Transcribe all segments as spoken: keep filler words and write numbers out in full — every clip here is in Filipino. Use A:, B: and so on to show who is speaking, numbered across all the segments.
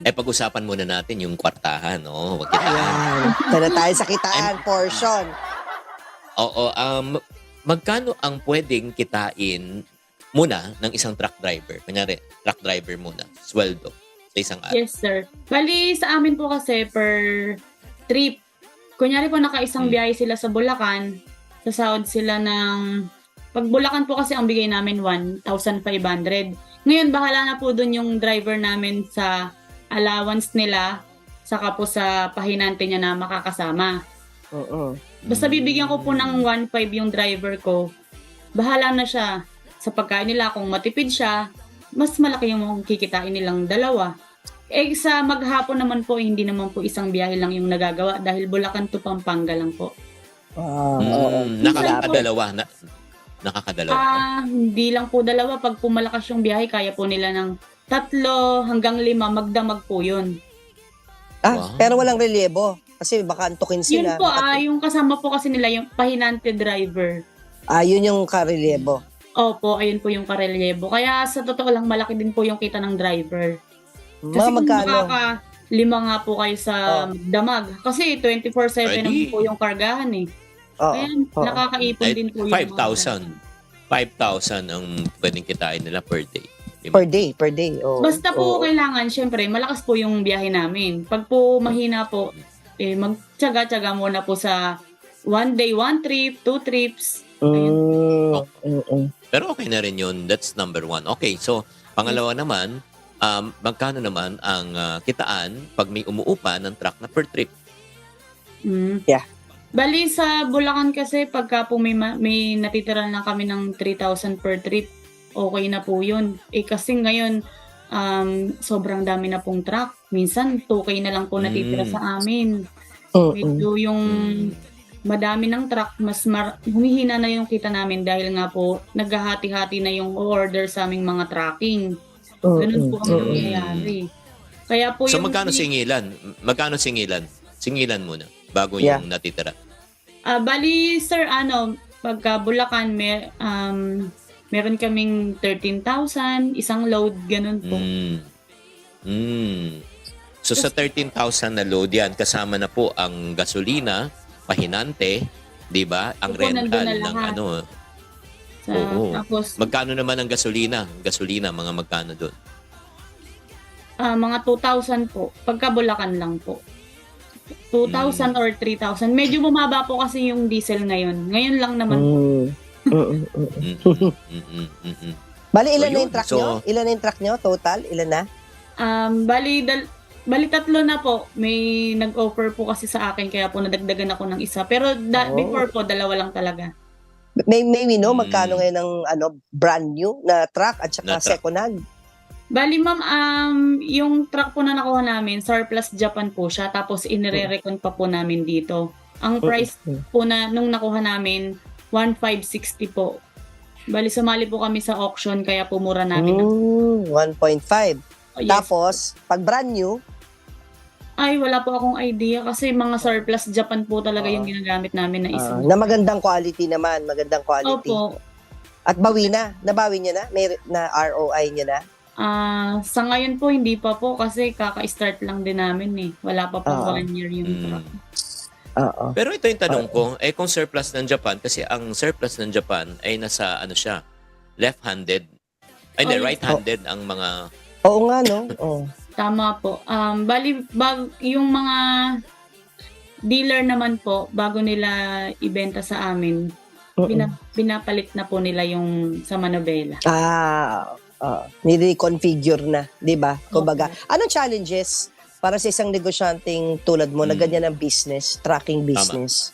A: Eh, pag-usapan muna natin yung kwartahan, no? Wag kitaan.
B: Ayan. Tara tayo sa kitaan portion.
A: Oo, um, magkano ang pwedeng kitain muna ng isang truck driver? Kunyari, truck driver muna, sweldo sa isang araw.
C: Yes, sir. Bali, sa amin po kasi per trip. Kunyari po naka-isang
A: Hmm.
C: biyahe sila sa Bulacan, sasahod sila ng... Pag Bulacan po kasi ang bigay namin one thousand five hundred. Ngayon, bahala na po dun yung driver namin sa allowance nila, saka po sa pahinante niya na makakasama.
B: Oo.
C: Basta bibigyan ko po ng one five yung driver ko, bahala na siya sa pagkain nila. Kung matipid siya, mas malaki yung kikitain nilang dalawa. Eh sa maghapon naman po, hindi naman po isang biyahe lang yung nagagawa dahil Bulacan to Pampanga lang po.
B: Ah,
A: Mm,
B: oo.
A: nakakadalawa. Na, nakakadalawa.
C: Ah, hindi lang po dalawa. Pag pumalakas yung biyahe, kaya po nila ng tatlo hanggang lima, magdamag po yun.
B: Ah,
A: Wow.
B: pero walang relievo. Kasi baka antukin
C: Yun
B: sila.
C: po, ah, yung kasama po kasi nila, yung pahinante driver.
B: Ah, yun yung karelievo.
C: Opo, ayun po yung karelyebo. Kaya sa totoo lang, malaki din po yung kita ng driver. Kasi
B: Mga
C: kung
B: magkano?
C: makaka lima nga po kayo sa
B: Oh.
C: damag. Kasi twenty-four seven
A: Pwede.
C: naman po yung kargahan eh.
B: Oo.
C: Kaya
B: oo.
C: nakakaipon
A: Eh,
C: din po yung
A: five thousand. five thousand ang pwedeng kitain nila per day. Diba?
B: Per day, per day. Oo.
C: Basta po
B: Oo.
C: kailangan, syempre, malakas po yung biyahe namin. Pag po mahina po, eh, magtsaga-tsaga muna po sa one day, one trip, two trips.
B: Mm, mm, mm.
A: Pero okay na rin yun. That's number one. Okay, so pangalawa naman, um, magkano naman ang ah, kitaan pag may umuupa ng truck na per trip?
C: Mm.
B: Yeah.
C: Bali sa Bulacan kasi pagka po may, ma- may natitira na kami ng three thousand per trip, okay na po yun. Eh kasi ngayon, um, sobrang dami na pong truck. Minsan two K na lang po natitira
A: Mm.
C: sa amin.
B: Mm, mm.
C: Medyo yung madami ng truck, mas mar- humihina na yung kita namin dahil nga po naghahati-hati na yung order sa aming mga tracking. Ganun po ang
B: Mm, mm,
C: nangyayari. Kaya po
A: So
C: yung...
A: magkano singilan? Magkano singilan? Singilan muna bago
B: Yeah.
A: yung natitira.
C: Ah, bali, sir, ano, pagka Bulacan, may, um, meron kaming thirteen thousand, isang load, ganun po.
A: Mm. Mm. So sa thirteen thousand na load yan, kasama na po ang gasolina, pahinante, di ba? Ang
C: Opo, nandun
A: rental
C: na
A: ng
C: lahat.
A: ano.
C: Sa,
A: Oo.
C: Tapos,
A: Magkano naman ang gasolina? Gasolina, mga magkano doon?
C: ah, mga two thousand po. Pagka Bulacan lang po. two thousand or three thousand. Medyo bumaba po kasi yung diesel ngayon. Ngayon lang naman po.
B: Mm. Mm, mm, mm.
A: Mm-mm, mm-mm, mm-mm.
B: Bali, ilan
A: So,
B: na
A: yun.
B: yung truck
A: So-
B: nyo? Ilan na yung truck nyo? Total? Ilan na?
C: Um, bali, dal- bali tatlo na po. May nag-offer po kasi sa akin kaya po nadagdagan ako ng isa. Pero da-
B: Oh.
C: before po, dalawa lang talaga.
B: May, may we know
A: Mm.
B: magkano ngayon ng ano, brand new na truck at saka
A: Na truck.
B: second hand?
C: Bali ma'am, um, yung truck po na nakuha namin, surplus Japan po siya, tapos inire-recon pa po namin dito. Ang price
B: Mm.
C: po na nung nakuha namin, one five sixty po. Bali sumali po kami sa auction, kaya pumura namin. ng-
B: Mm, one point five.
C: Oh, yes.
B: Tapos, pag brand new,
C: Ay, wala po akong idea kasi mga surplus Japan po talaga
B: Ah.
C: yung ginagamit namin na isa.
B: ah, na magandang quality naman, magandang quality.
C: Opo.
B: At bawi na, nabawi niya na, may na R O I niya na.
C: Ah, sa ngayon po hindi pa po kasi kaka-start lang din namin eh. Wala pa po
B: Ah.
C: one year yung
A: Mm.
C: truck.
B: Oo.
A: Pero ito yung tanong ko, eh kung surplus ng Japan, kasi ang surplus ng Japan ay nasa ano siya, left-handed. Ay, hindi,
C: Oh, yes.
A: right-handed ang mga...
B: Oo nga, no? Oh.
C: Tama po. Um, bali, bag, yung mga dealer naman po, bago nila ibenta sa amin, bina, binapalit na po nila yung sa Manobela.
B: Ah, uh, nire-configure na, di ba? Kumbaga, anong challenges para sa isang negosyanteng tulad mo na
A: Hmm.
B: ganyan ang business, tracking business?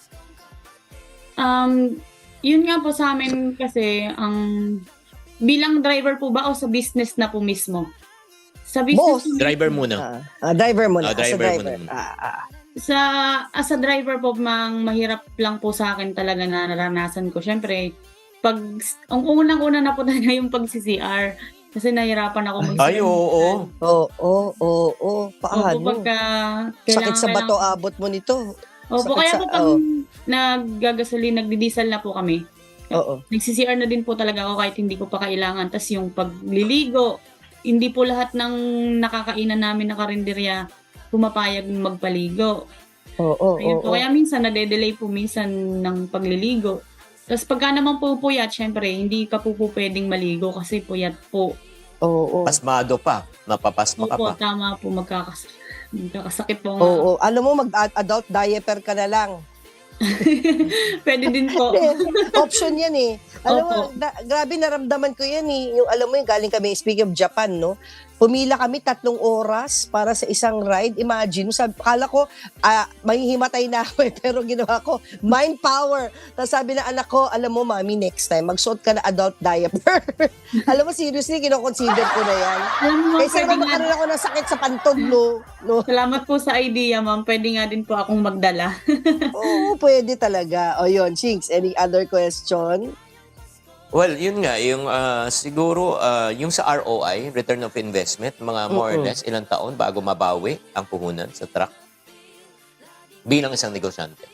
C: Um, yun nga po sa amin kasi, ang bilang driver po ba o sa business na po mismo? Sa business
B: Both.
C: po
A: Driver
C: mismo.
A: muna.
B: Ah, ah, driver mo na,
A: Ah,
B: as a
A: driver mo
B: driver.
A: na.
B: Ah, ah.
C: Sa as a driver po, mang mahirap lang po sa akin talaga na naranasan ko. Syempre, pag ang unang-una na po talaga yung pag-C C R kasi nahirapan ako mag
A: Ay, oo. oo.
B: Oo, oo, oo, oo.
C: Opo,
B: Paano?
C: pagka
B: Sakit sa bato
C: kailangan-
B: abot mo nito.
C: Opo,
B: sakit
C: kaya
B: sa-
C: po pag
B: oh.
C: naggagasolin, nagdi-diesel na po kami,
B: Oo.
C: nag-C C R na din po talaga ako kahit hindi ko pa kailangan. Tapos yung pagliligo, hindi po lahat ng nakakainan namin na karinderya pumapayag magpaligo.
B: Oo,
C: Ayun
B: oo,
C: po. Kaya minsan nade-delay po minsan ng pagliligo. Tapos pagka naman po puyat, syempre, hindi ka po po pwedeng maligo kasi puyat po.
B: oo.
A: Pasmado pa. Napapasma ka
C: Opo,
A: pa.
C: tama po. Magkakas magkakasakit po nga.
B: Oo, alam mo, mag-adult diaper ka na lang.
C: Pwede din po.
B: Hindi, option yan eh. Alam mo,
C: Opo.
B: na, grabe naramdaman ko yan eh. Yung, alam mo yung galing kami, speaking of Japan, no? Pumila kami tatlong oras para sa isang ride. Imagine, sabi, kala ko, ah, mahihimatay na ako eh. Pero ginawa ko, mind power. Tapos sabi na anak ko, alam mo mami, next time, magsuot ka na adult diaper. Alam mo, seriously, kinoconsider ko na yan.
C: Alam mo,
B: Kaysa
C: pwede
B: naman
C: nga,
B: magkaroon ako ng sakit sa pantog, no? no?
C: salamat po sa idea, ma'am. Pwede nga din po akong magdala.
B: Oo, pwede talaga. O yun, Chinks, any other question?
A: Well, yun nga, yung ah, siguro, ah, yung sa R O I, Return of Investment, mga more or
B: Mm-mm.
A: less ilang taon bago mabawi ang puhunan sa truck bilang isang negosyante.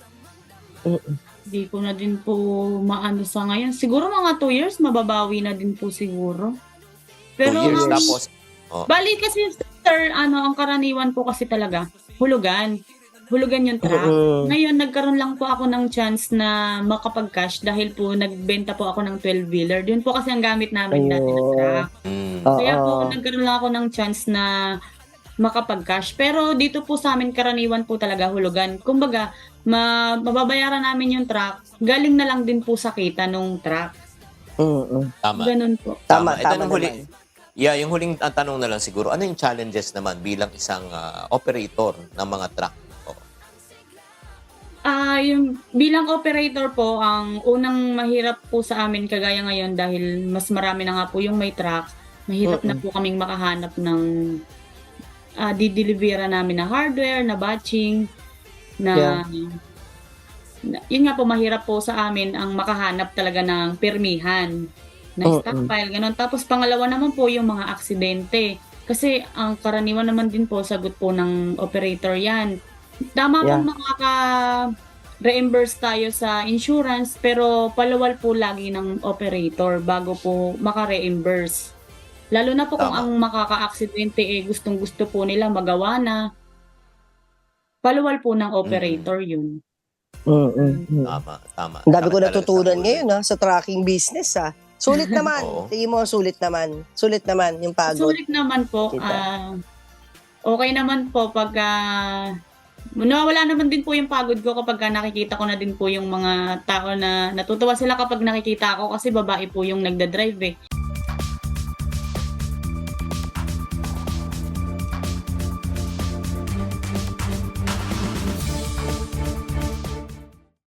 C: Hindi ko na din po maano sa ngayon. Siguro mga two years, mababawi na din po siguro. Pero,
A: Two years
C: ma'am,
A: tapos, oh,
C: bali kasi, sir, ano, ang karaniwan po kasi talaga, hulugan. Hulugan yung truck.
B: Mm-mm.
C: Ngayon, nagkaroon lang po ako ng chance na makapag-cash dahil po nagbenta po ako ng twelve-wheeler. Yun po kasi ang gamit namin dati na
B: Ayun.
C: truck.
A: mm,
B: Oo.
C: Kaya po, nagkaroon lang ako ng chance na makapag-cash. Pero dito po sa amin, karaniwan po talaga hulugan. Kumbaga, ma- mababayaran namin yung truck. Galing na lang din po sa kita nung truck.
B: Mm-mm.
A: tama.
C: Ganun po.
B: Tama,
A: Ito
B: tama
A: nung huli,
B: naman.
A: yeah, yung huling ah, tanong na lang siguro, ano yung challenges naman bilang isang ah, operator ng mga truck? Oh,
C: Ah, yung bilang operator po, ang unang mahirap po sa amin kagaya ngayon dahil mas marami na nga po yung may truck. Mahirap na po kaming makahanap ng ah, didelivera namin na hardware, na batching, na, na yun nga po mahirap po sa amin ang makahanap talaga ng permihan na
B: Mm-mm.
C: stockpile, ganun. Tapos pangalawa naman po yung mga aksidente. Kasi ang karaniwan naman din po, sagot po ng operator yan. Tama
B: Yeah.
C: pong makaka-reimburse tayo sa insurance, pero palawal po lagi ng operator bago po maka-reimburse. Lalo na po kung
A: Tama.
C: ang makaka-aksidente eh gustong-gusto po nila magawa na, palawal po ng operator yun.
B: Mm-mm.
A: tama, tama.
B: Ang dami ko
A: Sakit talaga
B: natutunan
A: sa ulo.
B: ngayon ha, sa tracking business ha. Sulit naman.
A: Oo.
B: Tingin mo, sulit naman. Sulit naman yung pagod.
C: Sulit naman po.
B: Kita.
C: ah, okay naman po pag ah, nawawala naman din po yung pagod ko kapag ah, nakikita ko na din po yung mga tao na natutuwa sila kapag nakikita ako kasi babae po yung nagda-drive eh.